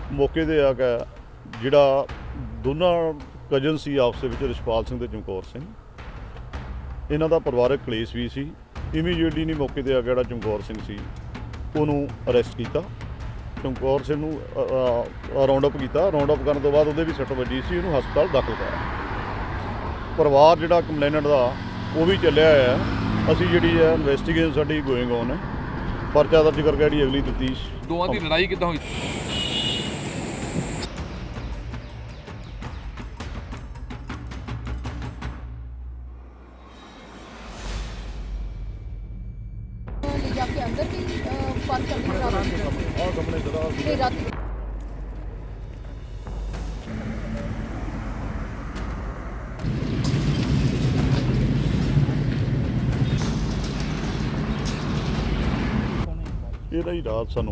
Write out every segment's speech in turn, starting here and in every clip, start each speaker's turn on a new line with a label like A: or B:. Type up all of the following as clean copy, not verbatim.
A: ਮੌਕੇ 'ਤੇ ਆ ਕੇ ਜਿਹੜਾ ਦੋਨਾਂ ਕਜ਼ਨ ਸੀ ਆਪਸ ਵਿੱਚ ਰਿਸ਼ਪਾਲ ਸਿੰਘ ਤੇ ਚਮਕੌਰ ਸਿੰਘ, ਇਹਨਾਂ ਦਾ ਪਰਿਵਾਰਕ ਕਲੇਸ਼ ਵੀ ਸੀ। ਇਮੀਡੀਏਟਲੀ ਨਹੀਂ ਮੌਕੇ 'ਤੇ ਆ ਕੇ ਜਿਹੜਾ ਚਮਕੌਰ ਸਿੰਘ ਸੀ ਉਹਨੂੰ ਅਰੈਸਟ ਕੀਤਾ। ਚਮਕੌਰ ਸਿੰਘ ਨੂੰ ਰਾਉਂਡ ਅਪ ਕੀਤਾ। ਰਾਉਂਡ ਅਪ ਕਰਨ ਤੋਂ ਬਾਅਦ ਉਹਦੇ ਵੀ ਸੱਟ ਵੱਜੀ ਸੀ, ਉਹਨੂੰ ਹਸਪਤਾਲ ਦਾਖਲ ਕਰਾਇਆ। ਪਰਿਵਾਰ ਜਿਹੜਾ ਕੰਪਲੇਨੈਂਟ ਦਾ ਉਹ ਵੀ ਚੱਲਿਆ ਹੋਇਆ। ਅਸੀਂ ਜਿਹੜੀ ਹੈ ਇਨਵੈਸਟੀਗੇਸ਼ਨ ਸਾਡੀ ਗੋਇੰਗ ਔਨ ਹੈ। ਪਰਚਾ ਦਰਜ ਕਰਕੇ ਜਿਹੜੀ ਅਗਲੀ ਤਫਤੀਸ਼।
B: ਦੋਵਾਂ ਦੀ ਲੜਾਈ ਕਿੱਦਾਂ ਹੋਈ?
C: जाके अंदर भी पार्क करने रात
A: ਇਹਦਾ ਹੀ ਰਾਤ ਸਾਨੂੰ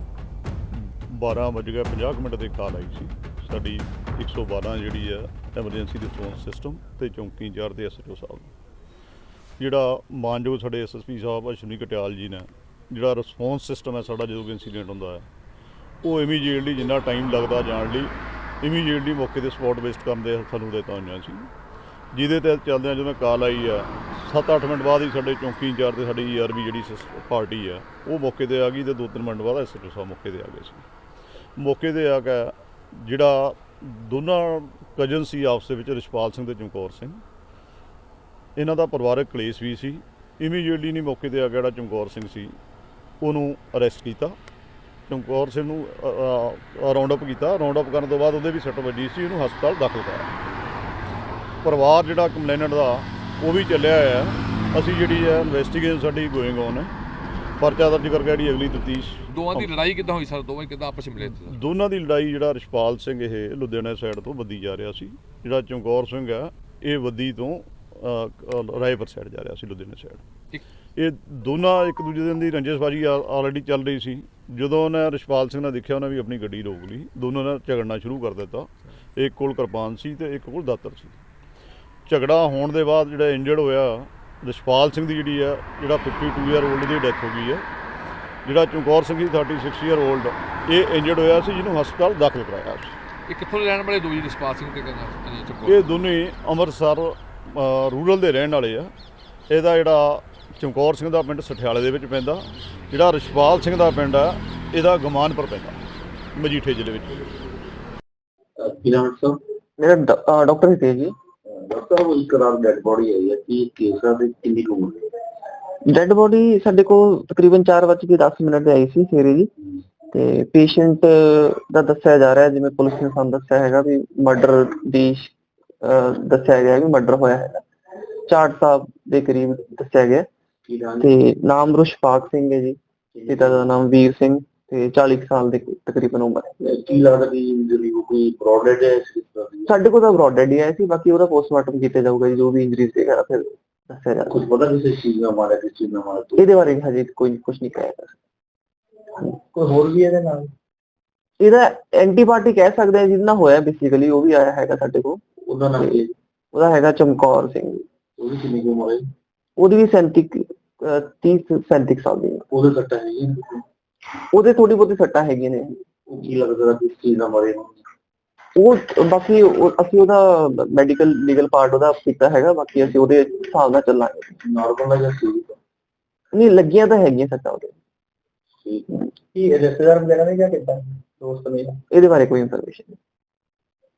A: 12:50 ਦੇ ਕਾਲ ਆਈ ਸੀ। ਸਾਡੀ 112 ਜਿਹੜੀ ਹੈ ਐਮਰਜੈਂਸੀ ਰਿਸਪੌਂਸ ਸਿਸਟਮ ਤੇ ਚੌਂਕੀ ਇੰਚਾਰਜ ਦੇ ਐਸਐਚਓ ਸਾਹਿਬ, ਜਿਹੜਾ ਮਾਨਯੋਗ ਸਾਡੇ ਐਸਐਸਪੀ ਸਾਹਿਬ ਅਸ਼ਵਨੀ ਕਟਿਆਲ ਜੀ ਨੇ, ਜਿਹੜਾ ਰਿਸਪੌਂਸ ਸਿਸਟਮ ਹੈ ਸਾਡਾ ਜਦੋਂ ਵੀ ਇੰਸੀਡੈਂਟ ਹੁੰਦਾ ਹੈ ਉਹ ਇਮੀਡੀਏਟਲੀ ਜਿੰਨਾ ਟਾਈਮ ਲੱਗਦਾ ਜਾਣ ਲਈ ਇਮੀਡੀਏਟਲੀ ਮੌਕੇ 'ਤੇ ਸਪੌਟ ਬੇਸਡ ਕਰਨ ਦੇ ਸਾਨੂੰ ਹਦਾਇਤਾਂ ਹੋਈਆਂ ਸੀ। ਜਿਹਦੇ ਤਹਿਤ ਚੱਲਦਿਆਂ ਜਦੋਂ ਕਾਲ ਆਈ ਆ 7-8 ਮਿੰਟ ਬਾਅਦ ਹੀ ਸਾਡੇ ਚੌਂਕੀ ਇੰਚਾਰਜ ਤੇ ਸਾਡੀ ਈਆਰਬੀ ਜਿਹੜੀ ਪਾਰਟੀ ਆ ਉਹ ਮੌਕੇ 'ਤੇ ਆ ਗਈ ਤੇ 2-3 ਮਿੰਟ ਬਾਅਦ ਐਸਐਚਓ ਸਾਹਿਬ ਮੌਕੇ 'ਤੇ ਆ ਗਏ ਸੀ। ਮੌਕੇ 'ਤੇ ਆ ਕੇ ਜਿਹੜਾ ਦੋਨਾਂ ਕਜ਼ਨ ਸੀ ਆਪਸ ਵਿੱਚ ਰਿਸ਼ਪਾਲ ਸਿੰਘ ਤੇ ਚਮਕੌਰ ਸਿੰਘ, ਇਹਨਾਂ ਦਾ ਪਰਿਵਾਰਕ ਕਲੇਸ਼ ਵੀ ਸੀ। ਇਮੀਡੀਏਟਲੀ ਨਹੀਂ ਮੌਕੇ 'ਤੇ ਆ ਕੇ ਜਿਹੜਾ ਚਮਕੌਰ ਸਿੰਘ ਸੀ ਉਹਨੂੰ ਅਰੈਸਟ ਕੀਤਾ। ਚਮਕੌਰ ਸਿੰਘ ਨੂੰ ਰਾਉਂਡ ਅਪ ਕੀਤਾ। ਰਾਉਂਡ ਅਪ ਕਰਨ ਤੋਂ ਬਾਅਦ ਉਹਦੇ ਵੀ ਸੱਟ ਵੱਜੀ ਸੀ, ਉਹਨੂੰ ਹਸਪਤਾਲ ਦਾਖਲ ਕਰਾਇਆ। ਪਰਿਵਾਰ ਜਿਹੜਾ ਕੰਪਲੇਨੈਂਟ ਦਾ ਉਹ ਵੀ ਚੱਲਿਆ ਹੋਇਆ। ਅਸੀਂ ਜਿਹੜੀ ਹੈ ਇਨਵੈਸਟੀਗੇਸ਼ਨ ਸਾਡੀ ਗੋਇੰਗ ਔਨ ਹੈ। ਪਰਚਾ ਦਰਜ ਕਰਕੇ ਜਿਹੜੀ ਅਗਲੀ ਤਫਤੀਸ਼।
B: ਦੋਵਾਂ ਦੀ ਲੜਾਈ ਕਿੱਦਾਂ ਹੋਈ ਸਰ? ਦੋਵੇਂ ਕਿੱਦਾਂ ਆਪਸ ਵਿੱਚ ਮਿਲੇ?
A: ਦੋਨਾਂ ਦੀ ਲੜਾਈ ਜਿਹੜਾ ਰਿਸ਼ਪਾਲ ਸਿੰਘ ਇਹ ਲੁਧਿਆਣਾ ਸਾਈਡ ਤੋਂ ਬੱਦੀ ਜਾ ਰਿਹਾ ਸੀ, ਜਿਹੜਾ ਚਮਕੌਰ ਸਿੰਘ ਆ ਇਹ ਬੱਦੀ ਤੋਂ ਰਾਏਪੁਰ ਸਾਈਡ ਜਾ ਰਿਹਾ ਸੀ, ਲੁਧਿਆਣਾ ਸਾਈਡ। ਇਹ ਦੋਨਾਂ ਇੱਕ ਦੂਜੇ ਦੀ ਰੰਜਿਸ਼ਬਾਜੀ ਆਲਰੇਡੀ ਚੱਲ ਰਹੀ ਸੀ। ਜਦੋਂ ਉਹਨੇ ਰਿਸ਼ਪਾਲ ਸਿੰਘ ਨੇ ਦੇਖਿਆ ਉਹਨੇ ਵੀ ਆਪਣੀ ਗੱਡੀ ਰੋਕ ਲਈ। ਦੋਨੋਂ ਨੇ ਝਗੜਨਾ ਸ਼ੁਰੂ ਕਰ ਦਿੱਤਾ। ਇੱਕ ਕੋਲ ਕਿਰਪਾਨ ਸੀ ਤੇ ਇੱਕ ਕੋਲ ਦਾਤਰ ਸੀ। ਝਗੜਾ ਹੋਣ ਦੇ ਬਾਅਦ ਜਿਹੜਾ ਇੰਜਰਡ ਹੋਇਆ ਰਿਸ਼ਪਾਲ ਸਿੰਘ ਦੀ ਜਿਹੜੀ ਆ ਜਿਹੜਾ 52 ਈਅਰ ਓਲਡ ਦੀ ਡੈਥ ਹੋ ਗਈ ਹੈ। ਜਿਹੜਾ ਚਮਕੌਰ ਸਿੰਘ ਦੀ 36 ਈਅਰ ਓਲਡ ਇਹ ਇੰਜਰਡ ਹੋਇਆ ਸੀ, ਜਿਹਨੂੰ ਹਸਪਤਾਲ ਦਾਖਲ ਕਰਾਇਆ ਸੀ।
B: ਇਹ ਕਿੱਥੋਂ ਦੇ ਰਹਿਣ ਵਾਲੇ ਦੋ ਜੀ, ਰਿਸ਼ਪਾਲ ਸਿੰਘ ਤੇ ਚਮਕੌਰ?
A: ਇਹ ਦੋਨੇ ਅੰਮ੍ਰਿਤਸਰ ਰੂਰਲ ਦੇ ਰਹਿਣ ਵਾਲੇ ਆ। ਇਹਦਾ ਜਿਹੜਾ ਚਮਕੌਰ ਸਿੰਘ ਦਾ ਪਿੰਡ ਸਠਿਆਲੇ ਦੇ ਵਿੱਚ ਪੈਂਦਾ, ਜਿਹੜਾ ਰਿਸ਼ਪਾਲ ਸਿੰਘ ਦਾ ਪਿੰਡ ਆ ਇਹਦਾ ਗਮਾਨਪੁਰ ਪੈਂਦਾ, ਮਜੀਠੇ ਜ਼ਿਲ੍ਹੇ ਵਿੱਚ।
D: ਮੇਰਾ ਡਾਕਟਰ ਹਿਤੇਸ਼ ਜੀ। ਡਾਕਟਰ ਸਾਹਿਬ ਇੱਕ ਰਾਤ ਡੈਡ ਬੋਡੀ ਆਈ ਹੈ, ਕੀ ਕੇਸ ਆ ਤੇ ਕਿੰਨੀ ਕੁ ਉਮਰ ਹੈ? ਡੈਡ ਬੋਡੀ ਸਾਡੇ ਕੋਲ ਤਕਰੀਬਨ 4:10 ਤੇ ਆਈ ਸੀ ਸਵੇਰੇ ਜੀ। ਤੇ ਪੇਸ਼ੈਂਟ ਦਾ ਦੱਸਿਆ ਜਾ ਰਿਹਾ, ਜਿਵੇਂ ਪੁਲਿਸ ਨੇ ਸਾਨੂੰ ਦੱਸਿਆ ਹੈਗਾ ਵੀ ਮਰਡਰ ਦੀ ਦੱਸਿਆ ਗਿਆ ਵੀ ਮਰਡਰ ਹੋਇਆ ਹੈਗਾ। ਚਾਟ ਸਾਹਿਬ ਦੇ ਕਰੀਬ ਦੱਸਿਆ ਗਿਆ ਤੇ ਨਾਮ ਰਿਸ਼ਪਾਲ ਸਿੰਘ ਹੈ ਜੀ। ਪਿਤਾ ਦਾ ਨਾਮ ਵੀਰ ਸਿੰਘ ਤੇ 40 ਸਾਲ ਦੇ ਤਕਰੀਬਨ ਉਮਰ ਹੈ। ਕੀ ਲੱਗਦਾ ਕਿ ਇੰਜਰੀ ਕੋਈ ਬ੍ਰੌਡਡ ਹੈ? ਸਾਡੇ ਕੋਲ ਤਾਂ ਬ੍ਰੌਡਡ ਹੀ ਆਇਆ ਸੀ, ਬਾਕੀ ਉਹਦਾ ਪੋਸਟਮਾਰਟਮ ਕੀਤਾ ਜਾਊਗਾ ਜੀ, ਜੋ ਵੀ ਇੰਜਰੀਜ਼ ਵਗੈਰਾ ਫਿਰ ਦੱਸਿਆ ਜਾਊਗਾ। ਕੁਝ ਪਤਾ ਕਿਸੇ ਚੀਜ਼ ਨਾਲ ਮਾਰਿਆ, ਕਿਸ ਚੀਜ਼ ਨਾਲ ਮਾਰਿਆ? ਇਹਦੇ ਬਾਰੇ ਹਜੇ ਕੋਈ ਕੁਝ ਨਹੀਂ ਕਹਿ ਸਕਦਾ। ਕੋਈ ਹੋਰ ਵੀ ਇਹਦੇ ਨਾਲ? ਇਹਦਾ ਐਂਟੀਬਾਇਓਟਿਕ ਕਹਿ ਸਕਦੇ ਆ ਜਿਹਦੇ ਨਾਲ ਹੋਇਆ ਬੇਸਿਕਲੀ, ਉਹ ਵੀ ਆਇਆ ਹੈਗਾ ਸਾਡੇ ਕੋਲ। ਉਹਦਾ ਨਾਮ ਕੀ? ਉਹਦਾ ਹੈਗਾ ਚਮਕੌਰ ਸਿੰਘ। ਉਹਦੀ ਕਿੰਨੀ ਕੁ ਉਮਰ ਹੈ? ਉਹਦੀ ਵੀ 30-37 ਸਾਲ ਦੀ। ਉਹਦੇ ਸੱਟਾਂ ਹੈਗੀਆਂ? ਉਹਦੇ ਥੋੜੀ ਬਹੁਤੀ ਸੱਟਾਂ ਹੈਗੀਆਂ ਨੇ। ਉਹ ਕੀ ਲੱਗਦਾ ਕਿਸ ਚੀਜ਼ ਨਾਲ ਮਾਰੇ? ਉਹ ਬਾਕੀ ਅਸੀਂ ਉਹਦਾ ਮੈਡੀਕਲ ਲੀਗਲ ਪਾਰਟ ਉਹਦਾ ਕੀਤਾ ਹੈਗਾ, ਬਾਕੀ ਅਸੀਂ ਉਹਦੇ ਹਿਸਾਬ ਨਾਲ ਚੱਲਾਂਗੇ। ਨਾਰਮਲ ਹੈ ਜਾਂ ਨਹੀਂ? ਲੱਗੀਆਂ ਤਾਂ ਹੈਗੀਆਂ ਸੱਟਾਂ ਉਹਦੇ। ਕੀ ਰਿਸ਼ਤੇਦਾਰ ਵਗੈਰਾ ਨੇ ਜਾਂ ਕਿੱਦਾਂ ਦੋਸਤ ਨੇ? ਇਹਦੇ ਬਾਰੇ ਕੋਈ ਇਨਫੋਰਮੇਸ਼ਨ ਨਹੀਂ।